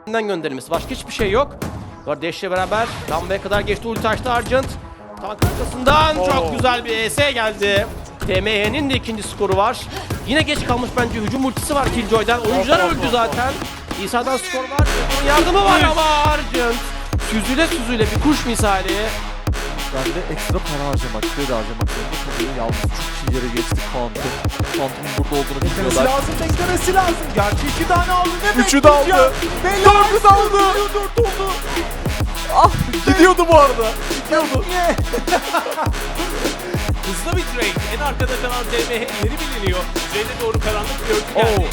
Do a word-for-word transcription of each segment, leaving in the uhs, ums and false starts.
gönderilmesi. Başka hiçbir şey yok. Kardeşle beraber lambaya kadar geçti. Ulti açtı Argent. Tank arkasından Oo. çok güzel bir E S geldi. T M H'nin de ikinci skoru var. Yine geç kalmış bence, hücum ultisi var Killjoy'dan. Oyuncular Oh, oh, öldü oh, zaten. İsa'dan skor var. Onun yardımı var ama Argent süzüle süzüle bir kuş misali. Ben de ekstra para harcamak, kredi harcamak zorunda kalıyor. Yalnız çok iyi yere geçtik Phantom. Phantom'un burada olduğunu Beklemesi biliyorlar. lazım, beklemesi lazım. Gerçi iki tane aldı. Ne Üçü de aldı. Dördü de aldı. Dört oldu. Ah, gidiyordu bu arada. Gidiyordu. Niye? Hızlı bir trade. En arkada kalan T M H yeri biliniyor. Üzerine doğru karanlık bir örtü Oo. geldi.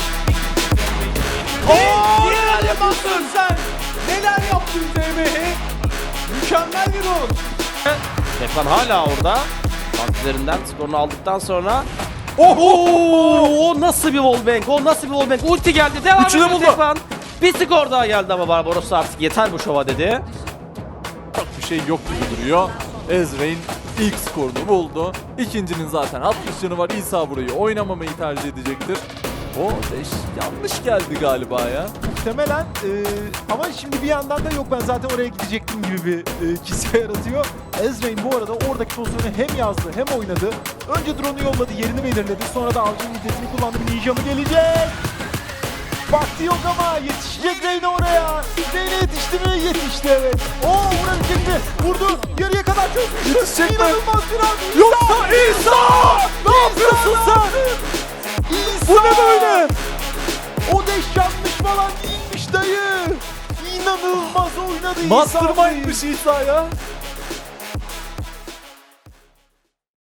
Ooo! Neler yapıyorsun sen? Neler yaptın Z M H? Mükemmel bir rol. Tekvan hala orada. Tank üzerinden skorunu aldıktan sonra Oho! O nasıl bir wallbang? O nasıl bir wallbang? Ulti geldi. Devam Üçünü ediyor buldu. Tekvan. Bir skor daha geldi ama Barbaros artık yeter bu şova dedi. Çok bir şey yok gibi duruyor. Ezreal ilk skorunu buldu. İkincinin zaten altmış canı var. İsa burayı oynamamayı tercih edecektir. O deş yanlış geldi galiba ya. Muhtemelen e, ama şimdi bir yandan da yok ben zaten oraya gidecektim gibi bir e, kişi yaratıyor. Ezreal bu arada oradaki pozisyonu hem yazdı hem oynadı. Önce drone'u yolladı, yerini belirledi. Sonra da avcının nitesini kullandı. Bir ninja mı gelecek? Vakti yok ama yetişecek Reyna oraya. Reyna yetişti mi? Yetişti, evet. Oo, vurabilecek mi? Vurdu. Yarıya kadar çözmüştü. Yetişecek mi? İnanılmaz bir an. Yoksa İsa! Ne yapıyorsun sen? İsa! Bu ne böyle? O deş yanlış falan değilmiş dayı. İnanılmaz oynadı İsa. Mastermind'mış İsa ya.